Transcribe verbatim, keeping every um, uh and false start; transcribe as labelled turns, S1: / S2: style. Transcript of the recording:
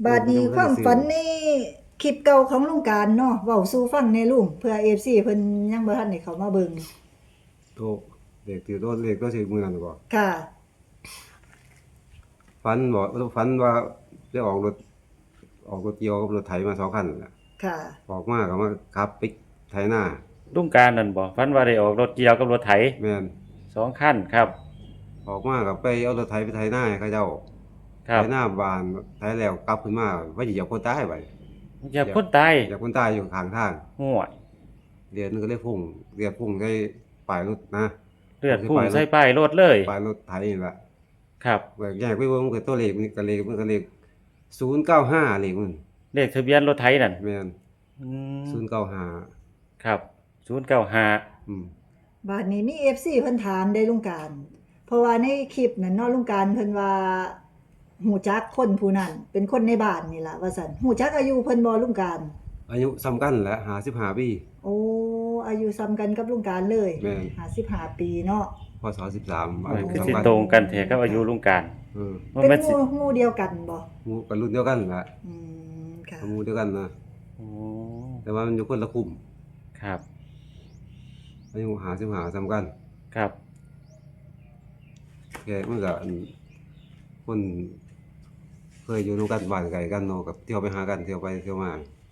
S1: บาดนี้ความฝันนี่คลิปเก่าของลุงการเนาะเว้าสู่ฟังแหน่ลุงเพื่อ เอ เอฟ ซี เพิ่นยังบ่ทันได้เข้ามาเบิ่ง
S2: โตเลขที่โตเลขตัวสิมื้อนั้นบ่
S1: ค่ะ
S2: ฝันบ่ฝันว่าได้ออกรถออกรถเกี่ยวกับรถไถมาสองคันนั่นล่ะ
S1: ค่ะ
S2: ออกมาก็มาขับไปไถนา
S3: ลุงการนั่นบ่ฝันว่าได้ออกรถเกี่ยวกับรถไถ
S2: แม่น
S3: สองคันครับ
S2: ออกมาก็ไปเอารถไถไปไถนาให้เขาเจ้า
S3: ครับ
S2: ไถนาบ้านไถแล้วกลับขึ้นมาว่าสิเหยียบคนตายบัด
S3: เหยียบคนตาย
S2: เหยียบคนตายอยู่ข้างทาง
S3: โอ้ย
S2: เลือดมันก็เลยพุ่งเลือดพุ่งใส่ป้ายรถนะ
S3: เลือดพุ่งใส่ป้ายรถเลย
S2: ป้ายรถไถนี่ล่ะ
S3: ครับ
S2: แยกแยกไปเบิ่งมันก็ตัวเลขมันก็เลขมันก็เลขศูนย์เก้าห้าเลขมัน
S3: เลขทะเบียนรถไถนั่น
S2: แม่น
S3: อืม
S2: ศูนย์เก้าห้า
S3: ครับศูนย์เก้าห้า
S2: อืม
S1: บาดนี้มี เอฟ ซี เพิ่นถามได้ลุงการเพราะว่าในคลิปนั้นเนาะลุงการเพิ่นว่าฮู้จักคนผู้นั้นเป็นคนในบ้านนี่ล่ะว่าซั่นฮู้จักอายุเพิ่นบ่ลุงการ
S2: อายุซ้ำกันแหละห้าสิบห้าปี
S1: โอ้อายุซ้ำกันกับลุงการเลย
S2: แม่น
S1: ห้าสิบห้าปีเนาะ
S2: พศสิบสามอายุ
S3: คือสิ
S2: ซ้ำกัน
S3: ตรงกันแท้กับอายุลุงการ
S2: เออ
S3: บ่
S1: เป็น
S3: แม่น
S1: ห
S3: สิ
S1: มู่หมู่เดียวกันบ่
S2: หมู่กันรุ่นเดียวกันแหละ
S1: อืมค่ะ
S2: หมู่เดียวกันนะ
S3: โอ้
S2: แต่ว่ามันอยู่คนละกลุ่ม
S3: ครับ
S2: อายุห้าสิบห้าซ้ำกัน
S3: ครับ
S2: แกมันก็อันคนเคยอยู่นำกันบ้านไกลกันเนาะกับเที่ยวไปหากันเที่ยวไปเที่ยวมา